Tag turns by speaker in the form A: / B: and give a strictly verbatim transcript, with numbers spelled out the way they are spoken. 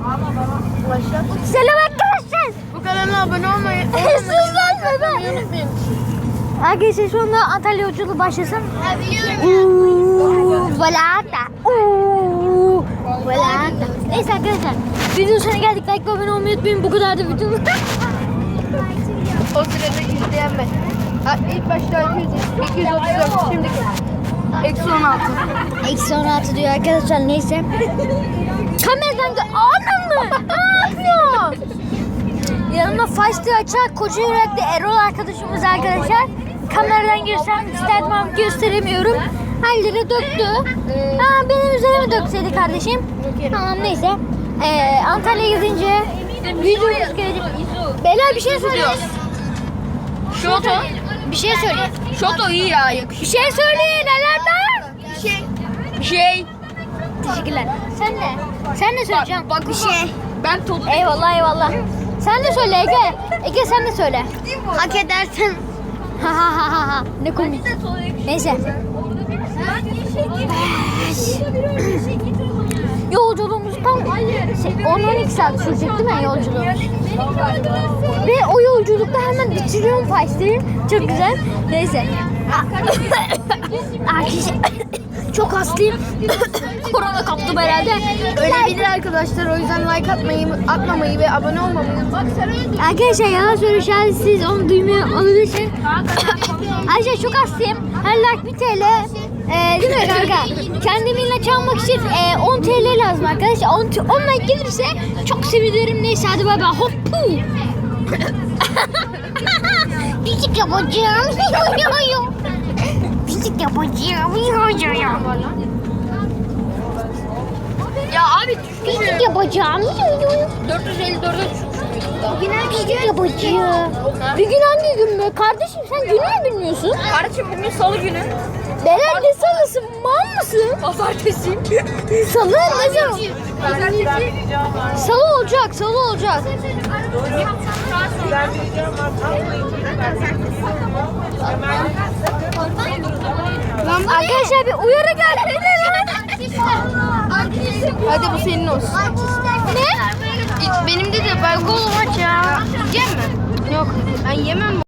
A: Selam arkadaşlar.
B: Bu kanala abone olmayı
A: Sus lan bebe.
B: unutmayın.
A: Arkadaşlar şu anda Antalya yolculuğu başlasın. Uuu, Valata. Uuu, Valata. Neyse arkadaşlar. Videonun sonuna geldik. Like ve abone olmayı unutmayın. Bu kadar da videomuz.
B: O sırada izleyen ben. Ha, ilk başta iki yüz, iki yüz otuz dört, şimdiki. Eksi on altı.
A: Eksi on altı diyor arkadaşlar. Neyse. Kameradan gö... Anam mı? Ne yapıyor? Yanımda Façlı açar koca yürekli Erol arkadaşımız arkadaşlar. Kameradan girsem isterdim ama gösteremiyorum. Halleri döktü. Ha, benim üzerime dökseydi kardeşim. Tamam neyse. Ee, Antalya'ya gidince videomuz gelecek. Beyler bir şey söyleyin.
B: Şoto.
A: Bir şey söyleyin.
B: Şoto iyi ya, yakışıyor.
A: Bir şey söyleyin. Nelerden?
B: Bir şey. Bir şey.
A: Teşekkürler. Sen ne? Sen ne söyleyeceksin?
B: Bak bir şey. Ben top.
A: Eyvallah eyvallah. Sen de söyle Ege. Ege sen de söyle.
B: Hak edersin.
A: Ha ha ha ha ha. Ne komik. Neyse. Yolculuğumuz tam on on iki saat sürecek değil mi yolculuğumuz? Ve o yolculukta hemen bitiriyorum Façlı'yı. Çok güzel. Neyse. Arkadaşlar çok hastayım. Korona kaptım herhalde.
B: Ölebilir arkadaşlar, o yüzden like atmayı, atmamayı ve abone olmamayı. Bak sen öyle.
A: Arkadaşlar yalan söylüyor, siz onu duymuyor olabilirsiniz. Arkadaşlar çok hastayım. Her like bir T L. Ee, değil mi kanka? Kendimle çalmak için e, on T L lazım arkadaşlar. on, on like gelirse çok sevinirim. Neyse hadi bay bay. Hoppu. Pisik yapacağım. Pisik yapacağım.
B: Ya abi düştü.
A: Pisik yapacağım.
B: dört yüz elli dörde düşmüş.
A: Pisik yapacağım. Bir gün hangi gün be? Kardeşim sen günü mü bilmiyorsun?
B: Kardeşim bugün salı günü.
A: Beren ne salısı? Mal mısın?
B: Pazartesi.
A: Salı ne zaman? Salı olacak, salı olacak. Arkadaşlar bir uyarı geldi lan.
B: Hadi bu senin olsun.
A: Ne?
B: Benim de de balkon aç ya. Yiyecek mi? Yok. Ben yemem.